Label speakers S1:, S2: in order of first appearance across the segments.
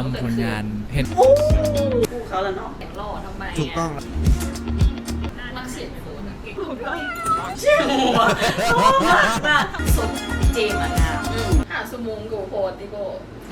S1: ผลงานเห็น
S2: คู่เขาแล้วเนาะ
S3: แต่งหล่อทำไม
S1: ถูกต้อง
S3: นักเสียงโคตรเก่ง
S2: เชี่ยวโอ้มากนะ
S3: สุดเจมอะงามหาสมุงกูโพติโก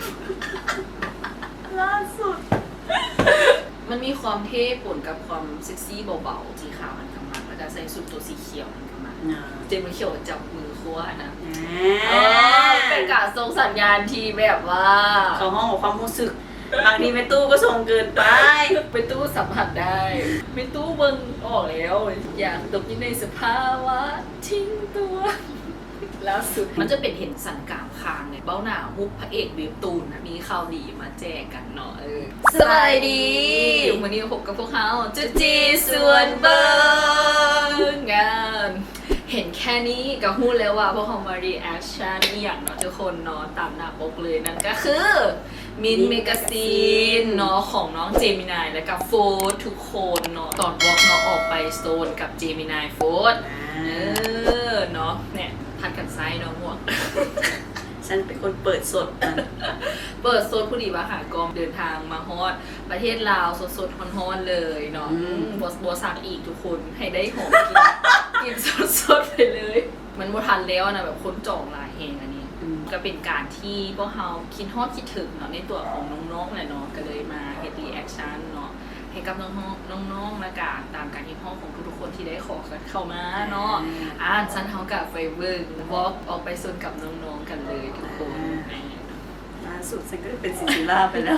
S2: ล่าสุด
S3: มันมีความเท่ปนกับความเซ็กซี่เบาๆสีขาวมันกำมังแล้วก็ใส่สุดตัวสีเขียวมันกำมังเจมส์เขียวจับมือคั่วนะเป็นการส่งสัญญาณที่แบบว่า
S2: เขาห้องของความรู้สึกบางทีแม่ตู้ก็ส่งเกินไป
S3: ไปตู้สัมผัสได้ไปตู้เบิ่งออกแล้วอยากตกอยู่ในสภาวะทิ้งตัวล่าสุดมันจะเป็นเห็นสันกามคางเนี่ยเบ้าหน้ามุกพระเอกเวฟตูนนะมีข่าวดีมาแจกกันเนาะสบายดีวันนี้พบกับพวกเขาจุจีส่วนเบิร์งานเห็นแค่นี้ก็พูดแล้วว่าพวกเขามารีแอคชั่นอย่างเนาะทุกคนเนาะตามหน้าปกเลยนั่นก็คือมินเมกาซีนเนาะของน้องเจมินายและกับโฟร์ทุกคนเนาะตอนวอล์กเนาะออกไปโซนกับเจมินายโฟร์เนาะเนี่ยพัดกันไซเนาะหมวก
S2: ฉันเป็นคนเปิดสด
S3: เปิดโซนผู้ดีว่าหากองเดินทางมาฮอดประเทศลาวสดๆฮอนๆเลยเนาะบัวสักอีกทุกคนให้ได้หอมกินสดๆไปเลยมันบ่ทันแล้วนะแบบคนจองลายเฮงอันนี้ก็เป็นการที่พวกเราคิดฮอดคิดถึงเนาะในตัวของน้องๆแหละเนาะก็เลยมาเฮ็ดรีแอคชั่นเนาะให้กับน้องๆละกันตามการที่ห้องของทุกๆคนที่ได้ขอเข้ามาเนาะฉันเฮากับไฟเวิร์กวอล์กออกไปส่วนกับน้องๆกันเลยทุกคน
S2: ล่าสุดฉันก็เป็นซินซิล่าไปแล้ว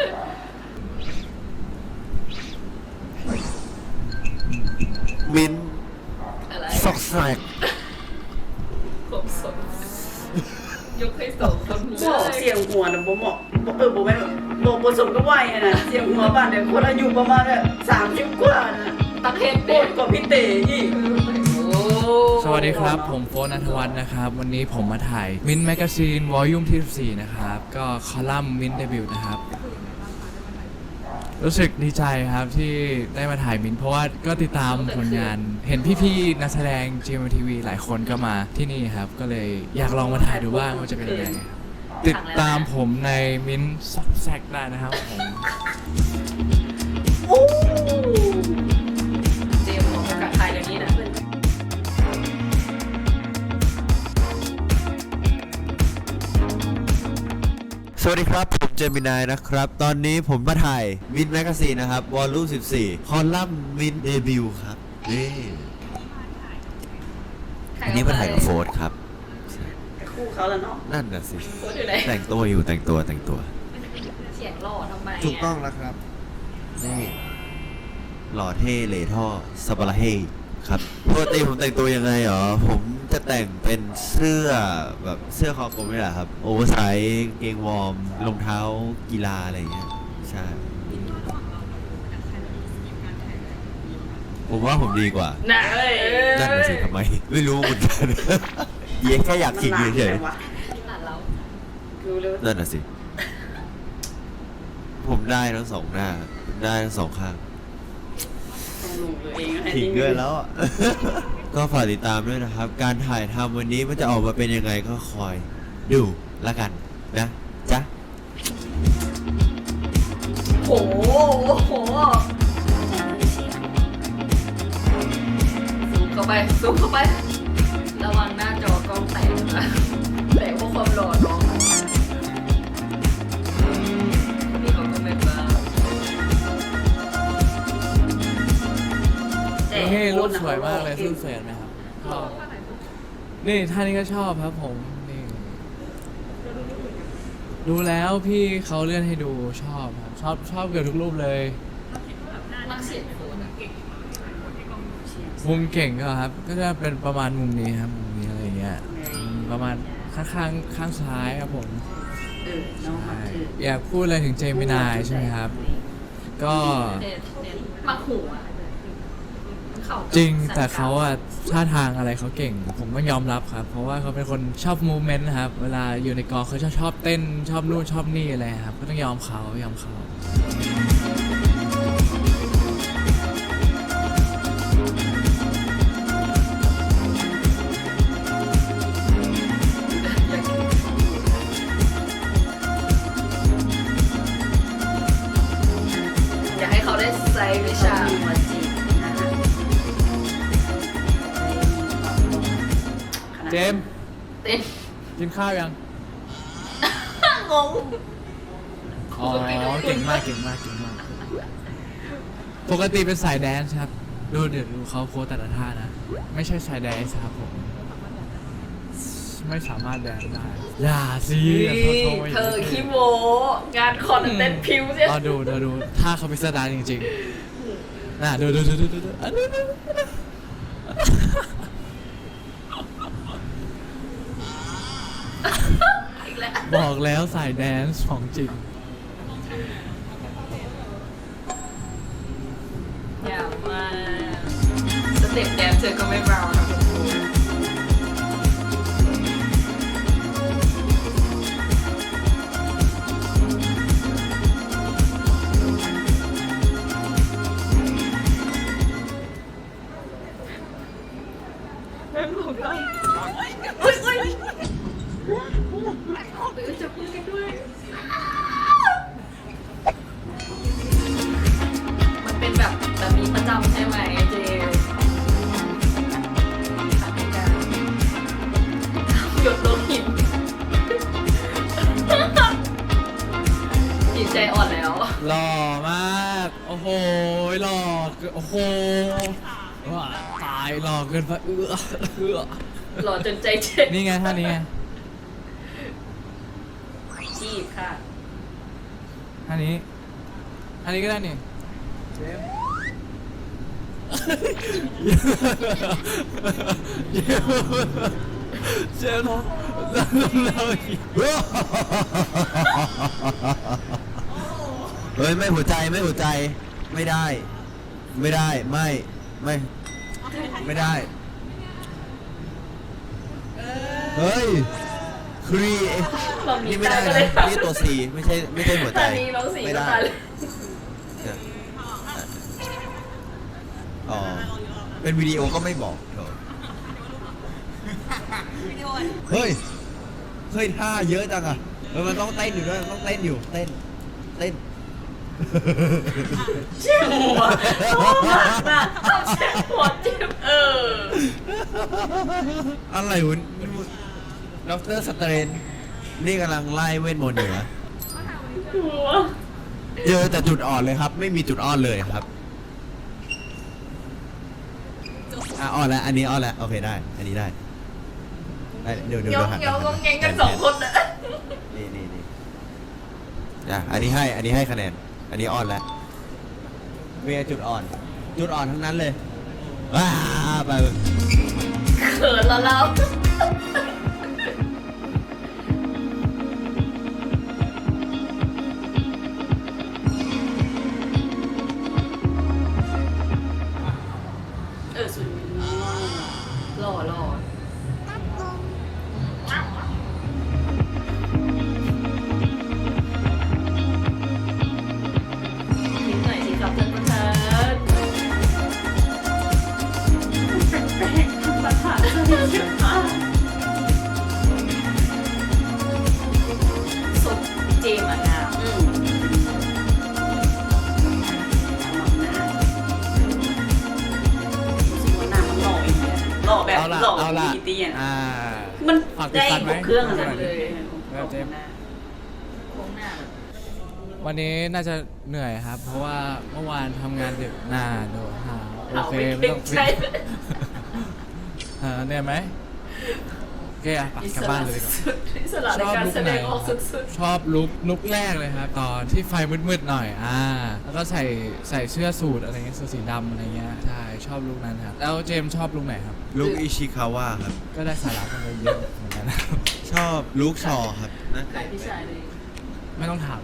S1: มิน
S3: อะไร
S1: ซอกแซก
S3: ผมสดยกให้สองคนเลย
S2: เสียงหัวนะบ่เหมาะบ่แม่นบ่ผสมกับวัยนะเสียงหัวบ้านเนี่ยคนอายุประมาณ30กว่านะ
S3: ตั้งเฮด
S2: เด็กกว่าพี่เต๋อีก
S1: สวัสดีครับผมโฟน ณัฐวัฒน์นะครับวันนี้ผมมาถ่ายมินแมกซีนวอลลุ่มที่14นะครับก็คอลัมน์มินเดบิวต์นะครับรู้สึกดีใจครับที่ได้มาถ่ายมินเพราะว่าก็ติดตามผลงานเห็นพี่ๆนักแสดง GMMTV หลายคนก็มาที่นี่ครับก็เลยอยากลองมาถ่ายดูบ้างว่าจะเป็นยังไงติดตามผมในมินซอกแซกได้นะครับผม
S3: เจมส์ของประกาศไทยเดี๋ยวนี้นะ
S4: สวัสดีครับผมเจมินายนะครับตอนนี้ผมมาถ่ายมินแมกซีนนะครับวอลลุ่ม14คอลัมน์มินเดบิวต์ครับนี่อันนี้มาถ่ายกับโฟร์ครับ
S2: คู่เขาแล้วเนาะ
S4: นั่นน่ะสิ
S3: โฟร์อยู่ไหน
S4: แต่งตัวอยู่แต่งตัว
S3: เสียงหล่อทำไม
S1: ถูกต้องแล้วครับ
S4: นี่หล่อเท่เหล่ท่อสบาระเฮครับปกติผมแต่งตัวยังไงหรอผมจะแต่งเป็นเสื้อแบบเสื้อคอกลมนี่แหละครับโอเวอร์ไซส์เกงวอร์มรองเท้ากีฬาอะไรอย่างเงี้ยใช่ผมว่าผมดีกว่า
S3: น่ะ
S4: นั่นน่ะสิทำไมไม่รู้เหมือนกันเย้แค่อยากขิงเฉยๆนั่นน่ะสิผมได้ทั้งสองหน้าได้ทั้งสองข้างขิงด้วยแล้วก็ฝากติดตามด้วยนะครับการถ่ายทำวันนี้มันจะออกมาเป็นยังไงก็คอยดูละกันนะจ๊ะ
S3: โอ้โหซูมเข้าไประวังหน้าจอกล้องแตกนะแตกเพราะความหล่อน้องนี่เขาก็ไม่บ้า
S1: นี่รูปสวยมากเลยรูปสวยไหมครับชอบนี่ท่านี้ก็ชอบครับผมนี่ดูแล้วพี่เขาเลื่อนให้ดูชอบครับชอบเกือบทุกรูปเลย
S3: นักเสียงโคตรเก่ง
S1: มุมเก่งก็ครับก็จะเป็นประมาณมุมนี้ครับมุมนี้อะไรเงี้ยประมาณข้างซ้ายครับผมอยากพูดอะไรถึงเจมินายใช่ไหมครับก็
S3: มักหัว
S1: จริงแต่เขาอะท่าทางอะไรเขาเก่งผมก็ยอมรับครับเพราะว่าเขาเป็นคนชอบมูเมนต์ครับเวลาอยู่ในกองเขาชอบเต้นชอบนู่นชอบนี่อะไรครับก็ต้องยอมเขามส์
S3: เต้น
S1: กินข้าวยัง
S3: งง
S1: อ๋อเก่งมากปกติเป็นสายแดนซ์ครับเดี๋ยวดูเขาโค้ชแต่ละท่านะ ไม่ใช่สายแดนซ์ครับผม ไม่สามารถแดนซ์ได้อย่าสิ
S3: เธอขี้โมงานคอนเต้นผิวใช่
S1: รอดูถ้าเขาเป็นสตาร์จริงๆน่ะดูอันนี้
S3: อีกแล้ว
S1: บอกแล้วสายแดนซ์ของจริง
S3: อย่ามาสเต็ปแดนเธอก็ไม่เบานะคุณครูจับมือกันด้วย มันเป็นแบบนี้ประจำใช่ไหมเจหยดลงหินจิตใจอ่อนแล้ว
S1: หล่อมากโอ้โหหล่อโอ้โหว้าตายหล่อเกินไป
S3: หล่อจนใจเจ็บ
S1: นี่ไงท่านี้ไง
S3: จีบค่ะ
S1: ท่านี้ก็ได้นี่เจมส์เรา
S4: เฮ้ยไม่หัวใจไม่ได้ไม่ได้เฮ้ยครี
S3: เรามี
S4: นี่ไม่ได้
S3: ตาก็
S4: นะ
S3: เลย
S4: นี่ตัวสีไม่ใช่หัวใจ
S3: ตอนนี้น้องสี
S4: ไม่
S3: ก็
S4: ได้
S3: ตายเลย
S4: อ๋อเป็นวิดีโอก็ไม่บอกเถอะเฮ้ยท่าเยอะจังอ่ะมันต้องเต้นอยู่ด้วยต้องเต้นเต้น
S3: เจ็บหัวเจ็บหัวเจ็บ
S4: อะไรวะดรสเตรนนี่กำลังไล่เวทมนต์อยู่นะ
S3: หัว
S4: เจอแต่จุดอ่อนเลยครับ ไม่มีจุดอ่อนเลยครับอ่อนแล้วอันนี้อ่อนแล้วโอเคได้อันนี้ได้เดี๋ยว
S3: ยอง
S4: หัน
S3: ยองแงงกันสองคนนะ
S4: นี่อันนี้ให้คะแนนอันนี้อ่อนแล้วเวียจุดอ่อนทั้งนั้นเลยว้าไป
S3: เขินแล้วเราสุดหล่อทิ้งหน่อยสิครับท่านประธานประธานสวัสดีค่ะสดเจมอ่ะงาม
S2: หล่อแบบ
S1: เอาละ
S2: หล่อ
S1: เอาละ
S2: มีเตียน
S1: มั
S2: มัน
S1: ฝาก
S2: ได้
S1: ติดตามไหม
S2: ครบเครื่องขนาดเลย
S1: แบบเจมส์
S3: โค้งหน้า
S1: วันนี้น่าจะเหนื่อยครับ เพราะว่าเมื่อวานทำงานดึกโดนหาโอ
S3: เรา
S1: เค
S3: ไม่
S1: ไม่
S3: เก่
S1: ต้อง ง
S3: ใจ
S1: เหนื่อยไหมโอเคอ่ะกลับบ้านเลยดีกว่า
S3: อิสระในการแสดงออกสุด
S1: ชอบลุกแรกเลยครับ ตอนที่ไฟมืดๆหน่อยแล้วก็ใส่เสื้อสูทอะไรเงี้ยเสื้อสีดำอะไรเงี้ยใช่ชอบลุคนั้นครับแล้วเจมส์ชอบลุคไหนครับ
S4: ลูกอิชิคาวะครับ
S1: ก็ได้สาระกันไปเยอะเหมือนกันนะ
S4: ชอบลูกชอครับนะ
S3: ๆขายพี่ชายเลย
S1: ไม่ต้องถาม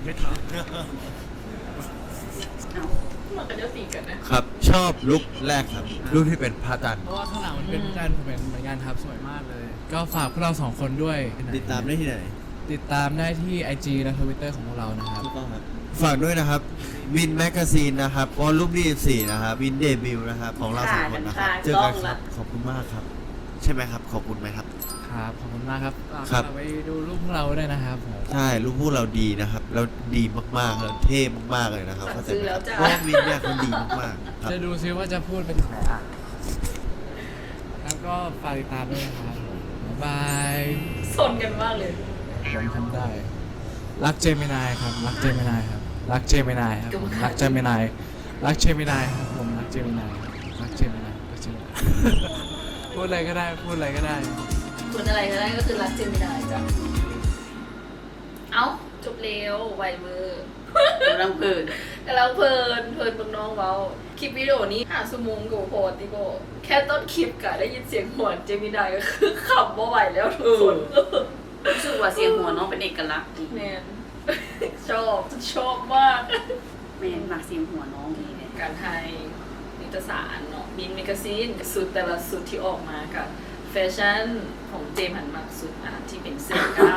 S3: มันก็จะตีกันนะครับ
S4: ชอบลุกแรกครับลุกที่เป็นพระจันทร์
S1: เพราะว่าข้างหลังมันเป็นการผมเห็นเหมือนกันครับสวยมากเลย ก็ฝากพวกเรา2คนด้วย
S4: ติดตามได้ที่ไหน
S1: ติดตามได้ที่ IG และ Twitter ของพวกเรานะครับ
S4: ถูกต้องครับฝากด้วยนะครับวินแมกกาซีนนะครับวอลลุ่ม24นะครับวินเดบิวนะครับของเราสองคนนะครับเจอกันครับขอบคุณมากครับ ใช่ไหมครับขอบคุณไหมครับ
S1: ครับ ขอบคุณมากครับ
S4: ครับ
S1: ฝากไปดูรูปพวกเราด้วยนะครับผม
S4: ใช่ลูกพูดเราดีนะครับเราดีมากๆเราเท่มากๆเลยนะครับเข้าใจไหมครับเพราะว่าวินเนี่ยเขาดีมากๆครับ
S1: จะดูซิว่าจะพูดเป็นไหนแล้วก็ฝากติดตามด้วยนะครับบ๊ายบาย
S3: สนกันมากเลย
S1: ผมทำได้ รักเจมินายครับ รักเจมินายครับ รักเจมินายครับผมรักเจมินาย รักเจมินายครับผมรักเจมินาย รักเจมินาย รักเจมินาย พูดอะไรก็ได้ พูดอะไรก็ได้
S3: พูดอะไรก็ได้ก็คือรักเจมินายจ้ะเอ้าจบเร็วไวเวอร์
S2: กำลังเพลิน
S3: กำลังเพลินเบิ่งน้องเว้าคลิปวิดีโอนี้5 ชั่วโมงกูโพสติโกแค่ต้นคลิปกะได้ยินเสียงหัวเจมินายก็คือขำบ่ไหวแล้วทุกคน
S2: รู้สึกว่าเสียงหัวน้องเป็นเอกลักษณ์ดี
S3: แมน ชอบมาก
S2: แม่มักเสียงหัวน้องดีเลย
S3: การไทยนิตยสารเนาะมินแมกซีนสุดแต่ละสุดที่ออกมากับแฟชั่นของเจมส์หันมากสุดที่เป็นเสื้อกล้าม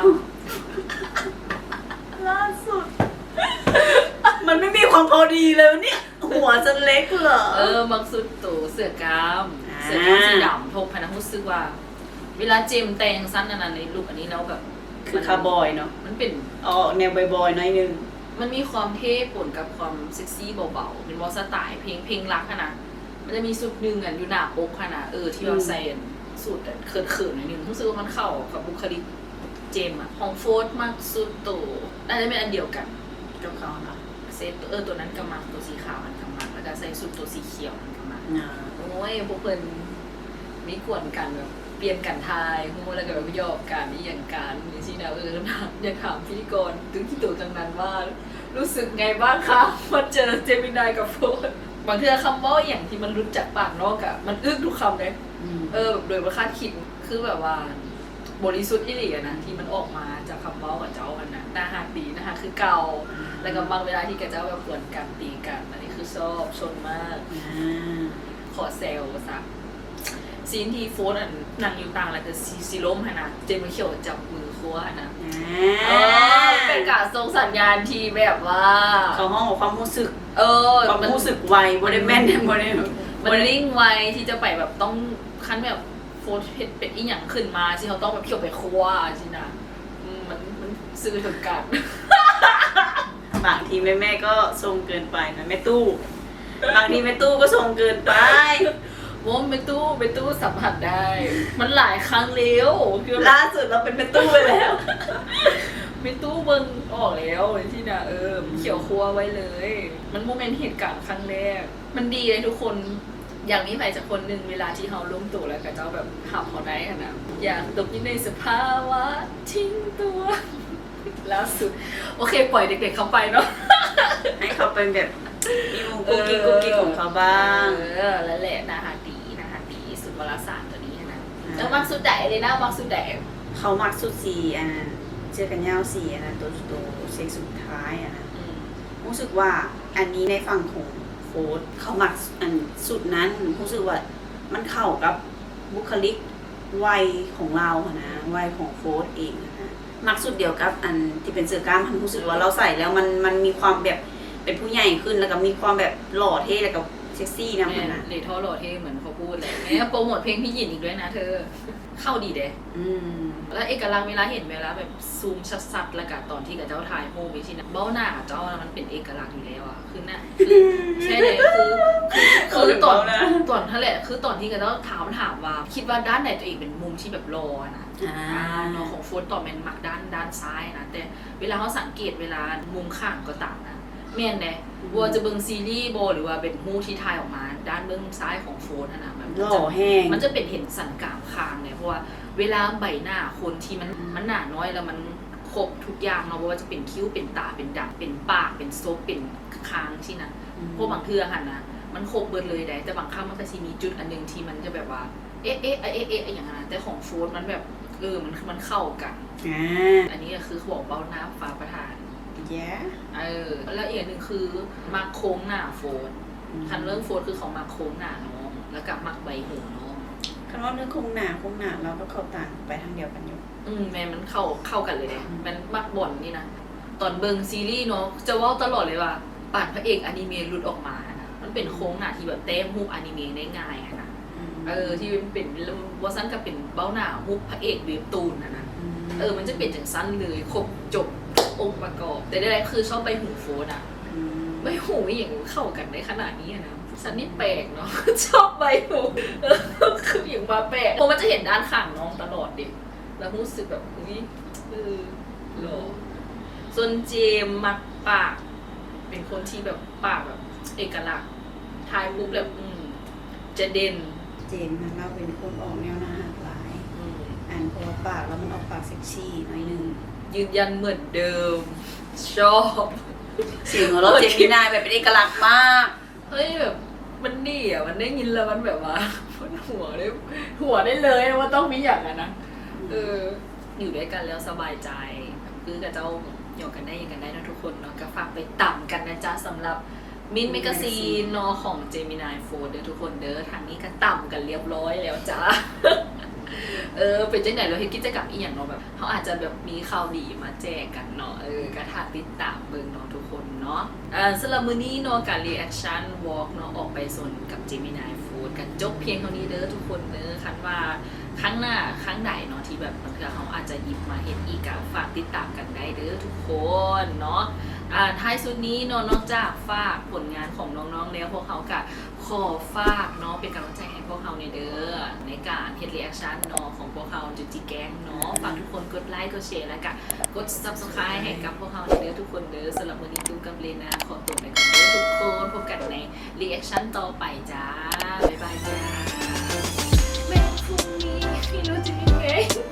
S2: ล่าสุด มันไม่มีความพอดีเลยเนี่ย หัวจะเล็กเหรอ
S3: บางสุดตัวเสื้อกล้าม
S2: อ่า
S3: เสื้อกล้ามสีดำทบพนักรู้สึกว่า เวลาเจมส์แต่งสั้นอันในลุคอันนี้แล้วแบบ
S2: คือคาร์บอยเนาะ
S3: มันเป็น
S2: อ๋อแนวบอยๆหน่อยนึง
S3: มันมีความเท่ปนกับความเซ็กซี่เบาๆเป็นวอลสไตล์เพลงรักอะนะมันจะมีสุดหนึ่งอยู่หน้าปกอะนะที่เราใส่สุดเขินๆหน่อยนึงรู้สึกว่ามันเข้ากับบุคลิกเจมส์อะของโฟร์ธมากสุดตัวน่าจะเป็นอันเดียวกัน
S2: กับเขาเนาะ
S3: เซตตัวนั้นกำมังตัวสีขาวมันกำมังแล้วก็ใส่สุดตัวสีเขียวมันกำมัง
S2: อ่า
S3: โอ้ยพวกเพิ่นมีกวนกันแบบเปลี่ยนกันทายโง่แล้วก็แบบหยอกกันนี่อย่างการนี่สินะอยากถามพิธีกรถึงที่ตัวจังนั้นว่า รู้สึกไงบ้างคะมาเจอเจมินายกับโฟนบางทีคำเว่าอย่างที่มันรุดจากปากนอกอะมันอึ้งทุกคำเลย แบบโดยประคาดคิดคือแบบว่าบริสุทธิ์อิหลีอะนะที่มันออกมาจากคำเว้ากับเจ้ามันนะน่าหักดีนะคะคือเก่าแล้วก็บางเวลาที่กับเจ้าแบบกวนกันตีกันอันนี้คือชอบชนมาก ขอเซลซะซีนที่โฟนนั่งอยู่ต่างแล้วก็ซีล้มฮะนะเจมส์เขียวจับมือคัวฮะนะเป็นการส่งสัญญาณที่แบบว่า
S2: เขาห้องของความรู้สึก ความ
S3: มัน
S2: รู้สึกไวบริแมนเนี่ยบริ
S3: มันลิงก์ไวที่จะไปแบบต้องขั้นแบบโฟนเพชรเป็นอีหยังขึ้นมาที่เขาต้องแบบเขียวไปคัวสินะมันซื้อถึงกัน
S2: บางทีแม่ก็ทรงเกินไปนะแม่ตู้ บางทีแม่ตู้ก็ทรงเกินไป
S3: ว่าไปตู้สัมผัสได้ มันหลายครั้งแล้วคือ
S2: ล่าสุดเราเป็นแม่ตู้ไปแล้ว
S3: ไปตู้เบิ่งออกแล้วที่น่ะเขียวครัวไว้เลย มันโมเมนต์เหตุการณ์ครั้งแรก มันดีเลยทุกคนอย่างนี้ไปจากคนหนึ่งเวลาที่เขาล้มตัวแล้วกับเจ้าแบบหับเขาได้ขนาดอยากตกอยู่ในสภาวะทิ้งตัวแล้วสุดโอเคปล่อยเด็กๆเขาไปเนาะ
S2: ให้เขาเป็นแบบมีมุมกุ๊กกิ๊กของเขาบ้าง
S3: แล้วแหละนาฮาดีสุดวารสารตัวนี้นะแล้วมักสุดใดเลยนะมักสุดใด
S2: เขามักสุดสีอันนั้นเจอกันยาวสีอันนั้นตัวเซ็กสุดท้ายอันนั้นรู้สึกว่าอันนี้ในฝั่งของโค้ดเขามักอันสุดนั้นรู้สึกว่ามันเข้ากับบุคลิกวัยของเราอะนะวัยของโค้ดเองอะนะมักสุดเดียวกับอันที่เป็นเสื้อกล้ามมันรู้สึกว่าเราใส่แล้วมันมีความแบบเป็นผู้ใหญ่ขึ้นแล้วก็มีความแบบหล่อเท่แล้วก็เซ็กซี่นะมันนะ
S3: เลท่อโหลเท่เหมือนเขาพูดเลยเนี่ยโปรโมทเพลงพี่หยินอีกด้วยนะเธอเข้าดีเด้ แล้วเอกลักษณ์เวลาเห็นเวลาแบบซูมชัดๆแล้วกับตอนที่กับเจ้าถ่ายโฮมวิชินะเบ้าหน้ากับเจ้ามันเป็นเอกลักษณ์อยู่แล้วอ่ะคือน่ะใช่เลยคือตอนนั่นแหละคือตอนที่กับเจ้าถามว่าคิดว่าด้านไหนตัวเองเป็นมุมที่แบบรอนะน้องของโฟนต่อเป็นมักด้านซ้ายนะแต่เวลาเขาสังเกตเวลามุมข้างก็ต่างนะแม่นเลยว่าจะเบิ่งซีรีส์โบหรือว่าเป็นมูที่ถ่ายออกมาด้านเบื้องซ้ายของโฟนนะมัน
S2: หล่อแห้ง
S3: มันจะเป็นเห็นสันกรามคางเนี่ยเพราะว่าเวลาใบหน้าคนที่มันหนาน้อยแล้วมันครบทุกอย่างเนาะว่าจะเป็นคิ้วเป็นตาเป็นดักเป็นปากเป็นซบเป็นคางที่นั่นพวกบางเทื่อหันนะมันครบเบิดเลยได้แต่บางครั้งมันก็จะมีจุดอันนึงที่มันจะแบบว่าเอ๊ะอย่างนั้นแต่ของโฟนมันแบบมันเข้ากันอันนี้ก็คือเขาบอกเบ้าหน้าฟ้าประธานแล้วอีกหนึ่งคือมาโค้งหน้าโฟนคันเรื่องโฟนคือเขามาโค้งหน้าน้องแล้วกับมักใบหูน้อง
S2: คำว่าเรื่องคงหนาเราก็เข้าต่างไปทางเดียวกันอยู่
S3: แม่มันเข้ากันเลยเนี่ยมันมักบ่นนี่นะตอนเบิงซีรีส์เนาะจะว่าตลอดเลยว่าป่านพระเอกอนิเมะหลุดออกมานะมันเป็นโค้งหน้าที่แบบเต้มฮูปอนิเมะได้ง่ายนะที่เป็นวอซันก็เป็นเบ้าหน้าฮูปพระเอกเว็บตูนนะมันจะเป็นจังสั้นเลยครบจบองค์ประกอบแต่ได้คือชอบใบหูโฟนอ่ะใบหูอย่างเข้ากันได้ขนาดนี้นะสันนี่แปลกเนาะ ชอบใบหูคืออย่างมาแปลกเพราะมันจะเห็นด้านข้างน้องตลอดดิแล้วรู้สึกแบบอุ้ยหล่อส่วนเจมส์มักปากเป็นคนที่แบบปากแบบเอกลักษณ์ทายปุ๊บแบบจะเด่น
S2: เจมส์เราเป็นคนออกแนวหน้าหักหลายอ่านเพราะว่าปากแล้วมันออกปากเซ็กซี่หน่อยนึง
S3: ยืนยันเหมือนเดิม ชอบ
S2: เสียงของเราเจมินายแบบเป็นเอกลักษณ์มาก
S3: เฮ้ยแบบมันดีอ่ะมันได้ยินแล้วมันแบบว่ามันหัวได้เลยว่าต้องมีอย่างนั้นนะอยู่ด้วยกันแล้วสบายใจคือกับเจ้าหยอกกันได้ยังกันได้นะทุกคนเนาะก็ฝากไปต่ำกันนะจ๊ะสำหรับมินเมกาซีนเนาะของเจมินายโฟเด้อทุกคนเด้อทางนี้ก็ต่ำกันเรียบร้อยแล้วจ้า เป็นจังไหนเราเฮ็ดกิจกรรมอีหยังเนาะแบบเขาอาจจะแบบมีข่าวดีมาแจกกันเนาะก็ถ้าติดตามเบิ่งเนาะทุกคนเนาะสำหรับมื้อนี้เนาะการ reaction walk เนาะออกไปส่วนกับ Gemini Food กันจบเพียงเท่านี้เด้อทุกคนเด้อคันว่าครั้งหน้าครั้งใดเนาะที่แบบบางเทื่อเขาอาจจะหยิบมาเฮ็ดอีกก็ฝากติดตามกันได้เด้อทุกคนเนาะท้ายสุดนี้เนาะนอกจากฝากผลงานของน้องๆแล้วพวกเขาก็ขอฝากเนาะเป็นกำลังใจให้พวกเขาในเด้อในการเฮ็ด reaction เนาะของพวกเขาจุจิแกงเนาะฝากทุกคนกดไลค์กดแชร์แล้วก็กด subscribe ให้กับพวกเขาในเด้อทุกคนเด้อสำหรับมื้อนี้ดูกับเลนาขอตัวไปก่อนเด้อทุกคนพบกันใน reaction ต่อไปจ้าบ๊ายบายจ้าแม่พรุ่งนี้พี่รู้จะยังไง